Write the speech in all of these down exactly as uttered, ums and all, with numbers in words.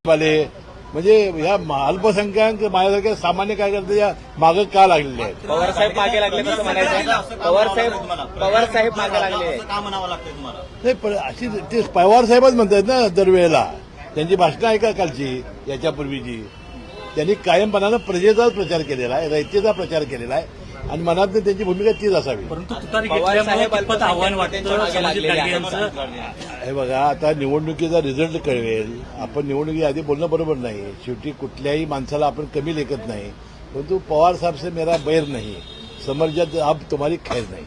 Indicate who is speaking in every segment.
Speaker 1: वाले म्हणजे या अल्पसंख्याक माझ्यासारख्या सामान्य कार्यकर्त्याच्या मागे का लागलेले आहेत?
Speaker 2: पवार साहेब मागे लागले कसं म्हणायचं? पवार साहेब पवार साहेब मागे लागले
Speaker 3: का म्हणावं लागतंय तुम्हाला?
Speaker 1: नाही पण अशी ते पवार साहेबच म्हणतात ना दरवेळेला. त्यांची भाषणं ऐका कालची याच्यापूर्वीची. त्यांनी कायमपणानं प्रजेचाच प्रचार केलेला आहे, रयतेचा प्रचार केलेला आहे आणि मनात त्यांची भूमिका तीच असावी.
Speaker 4: परंतु तुतारी घेतल्यामुळे कितपत आव्हान वाटतं संभाजी गाडगे यांचं?
Speaker 1: हे बघा आता निवडणुकीचा रिझल्ट कळवेल. आपण निवडणुकीआधी बोलणं बरोबर नाही. शेवटी कुठल्याही माणसाला आपण कमी लेखत नाही. परंतु पवार साहेब से मेरा बैर नाही, समर्जात अब तुम्हारी खैर नाही.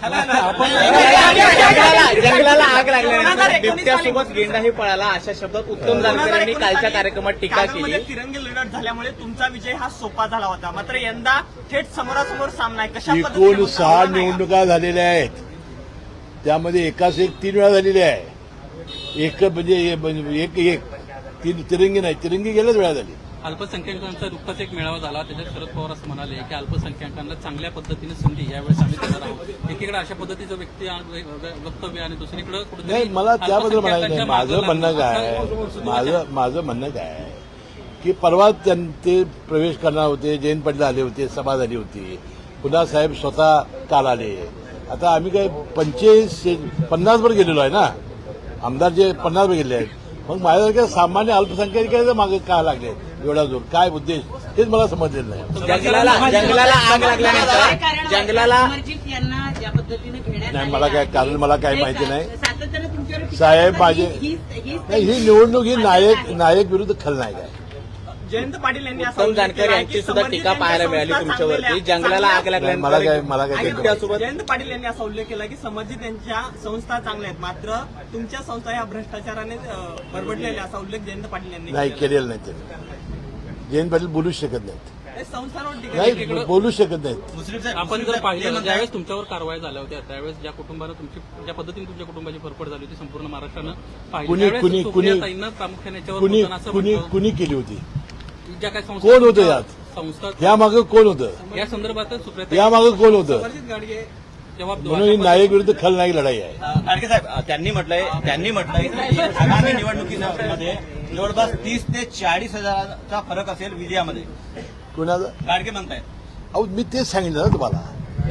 Speaker 2: जंगलाला आग लागल्यानंतर बिबट्यासोबत गेंडाही पळाला अशा शब्दात उत्तम जानकर यांनी कालच्या कार्यक्रमात टीका केली.
Speaker 3: तिरंगी लढत झाल्यामुळे तुमचा विजय हा सोपा झाला होता, मात्र यंदा थेट समोरासमोर सामना आहे. कशा
Speaker 1: एकूण सहा निवडणुका झालेल्या आहेत, त्यामध्ये एकाच एक तीन वेळा झालेली आहे. एक म्हणजे एक एक तीन तिरंगी नाही, तिरंगी गेल्याच वेळा झाली.
Speaker 4: अल्पसंख्याकांचा नुकताच एक मेळावा झाला, त्याच्यात शरद पवार असं म्हणाले की अल्पसंख्याकांना चांगल्या पद्धतीने संधी यावेळेस आम्ही देणार आहोत. एकीकडे अशा पद्धतीचं व्यक्ती वक्तव्य आणि दुसरीकडे कुठेतरी
Speaker 1: नाही, मला त्याबद्दल म्हणायचं नाही. माझं म्हणणं काय माझं माझं म्हणणं काय की परवा ते प्रवेश करणार होते, जयंत पाटील आले होते, सभा झाली होती, पुन्हा साहेब स्वतः काल आले. आता आम्ही काय पंचेचाळीस पन्नास वर गेलेलो आहे ना, आमदार जे पन्नास वर गेले आहेत. मग माझ्यासारख्या सामान्य अल्पसंख्याकांच्या मागे का लागले एवढा जोर? काय उद्देश तेच मला समजलेलं नाही.
Speaker 2: जंगलाला जंगलाला आग लागल्यानंतर जंगलाला
Speaker 1: नाही, मला काय कारण मला काही माहिती नाही. साहेब माझे नाही, ही निवडणूक ही नायक नायक विरुद्ध खलनायक आहे.
Speaker 3: जयंत पाटील यांनी
Speaker 2: उत्तम जानकर यांची सुद्धा टीका पाहायला मिळाली तुमच्यावरती. जंगलाला आग
Speaker 1: मला काय
Speaker 2: लागल्यानंतर
Speaker 1: मला काय
Speaker 2: बिबट्यासोबत
Speaker 3: जयंत पाटील यांनी असा उल्लेख केला की संबंधित त्यांच्या संस्था चांगल्या आहेत, मात्र तुमच्या संस्था या भ्रष्टाचाराने बरबडलेल्या असा उल्लेख जयंत पाटील यांनी
Speaker 1: नाही केलेलं नाही. त्यांनी जयंत पाटील बोलूच शकत नाहीत.
Speaker 3: संस्थांवर टीका
Speaker 1: नाही बोलू शकत नाहीत.
Speaker 4: आपण जर पाहिलं ज्यावेळेस तुमच्यावर कारवाई झाल्या होत्या त्यावेळेस ज्या कुटुंबानं तुमची ज्या पद्धतीने तुमच्या कुटुंबाची फरफड झाली होती संपूर्ण महाराष्ट्रानं पाहिली.
Speaker 1: कुणी
Speaker 4: त्यावेळेस
Speaker 1: कुणी कुणी
Speaker 4: सुप्रियाताईंना प्रामुख्याने याच्यावर
Speaker 1: कुणी
Speaker 4: बोलताना असं
Speaker 1: कुणी
Speaker 4: म्हटलं,
Speaker 1: कुणी केली होती?
Speaker 4: ज्या काही संस्था
Speaker 1: कोण होतं यात?
Speaker 4: संस्था
Speaker 1: यामागे कोण होतं?
Speaker 4: या संदर्भात सुप्रियाताई
Speaker 1: यामागे कोण होतं?
Speaker 3: समर्जित गाडगे
Speaker 4: जबाब
Speaker 1: म्हणून ही नायक विरुद्ध खलनायक लढाई आहे.
Speaker 3: गाडगे साहेब त्यांनी म्हटलंय त्यांनी म्हटलंय की आगामी निवडणुकीमध्ये जवळपास तीस ते चाळीस हजाराचा फरक असेल विजयामध्ये.
Speaker 1: कुणाचं?
Speaker 3: गाडगे म्हणतायत.
Speaker 1: अहो मी तेच सांगितलं ना तुम्हाला.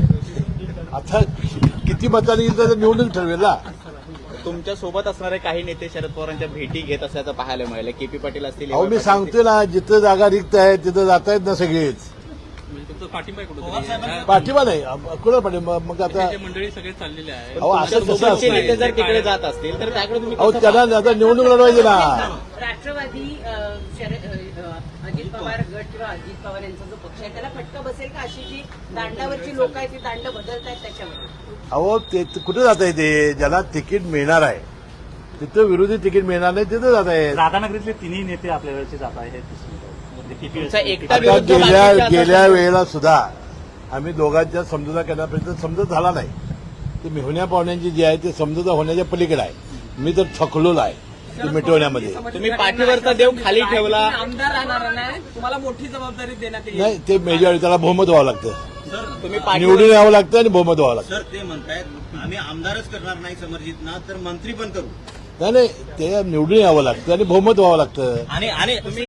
Speaker 1: आता किती मतांनी येईल तर निवडणूक ठरवेल ना.
Speaker 2: तुमच्या सोबत असणारे काही नेते शरद पवारांच्या भेटी घेत असल्याचं पाहायला मिळालं. केपी पाटील असतील.
Speaker 1: अहो मी सांगतोय ना, जिथं जागा रिक्त आहे तिथं जात आहेत ना सगळेच.
Speaker 4: म्हणजे तुमचं पाठिंबा आहे कुठेतरी
Speaker 1: पाठिंबा नाही कुणाला पाठिंबा? मग आता
Speaker 4: जे मंडळी सगळे चाललेले आहे.
Speaker 1: अहो असं कसं
Speaker 2: सोबतचे नेते
Speaker 1: असतं?
Speaker 2: जर तिकडे जात असतील तर त्याकडे तुम्ही
Speaker 1: अहो
Speaker 2: कसं
Speaker 1: त्यांना आता निवडणूक लढवायची ना.
Speaker 5: राष्ट्रवादी अ, शरद अ, अजित पवार गट किंवा अजित पवार यांचा जो पक्ष आहे त्याला फटका बसेल का? अशी जी दांडावरची लोक आहेत ती दांड बदलत आहेत त्याच्यावर.
Speaker 1: अहो ते कुठे जात आहे? ते ज्याला तिकीट मिळणार आहे तिथं विरोधी तिकीट मिळणार नाही तिथं जात आहे.
Speaker 6: राधानगरीतले तिन्ही नेते आपल्या वेळेचे जात आहेत.
Speaker 2: तुमचा एकटा
Speaker 1: आता
Speaker 2: विरुद्ध
Speaker 1: गेल्या
Speaker 2: बाकीचे
Speaker 1: गेल्या
Speaker 2: असं-
Speaker 1: वेळेला सुद्धा आम्ही दोघांच्या समजुता करण्यापर्यंत समजत झाला नाही. ते मिळवण्या पाहुण्यांची जी आहे ते समजुता होण्याच्या पलीकडे आहे. मी तर थकलोला आहे ते मिटवण्यामध्ये.
Speaker 2: तुम्ही पाठीवरचा देव खाली ठेवला.
Speaker 3: आमदार राहणार नाही, तुम्हाला मोठी जबाबदारी देण्यात येईल.
Speaker 1: नाही ते मेजॉरिटी त्याला बहुमत व्हावं लागतं.
Speaker 2: तुम्ही पाठीवर
Speaker 1: निवडून यावं लागतं आणि बहुमत व्हावं लागतं.
Speaker 3: सर ते म्हणतायत आम्ही आमदारच करणार नाही समर्जितना तर मंत्री पण करू.
Speaker 1: नाही नाही ते निवडून यावं लागतं आणि बहुमत व्हावं लागतं.
Speaker 3: आणि आणि तुम्ही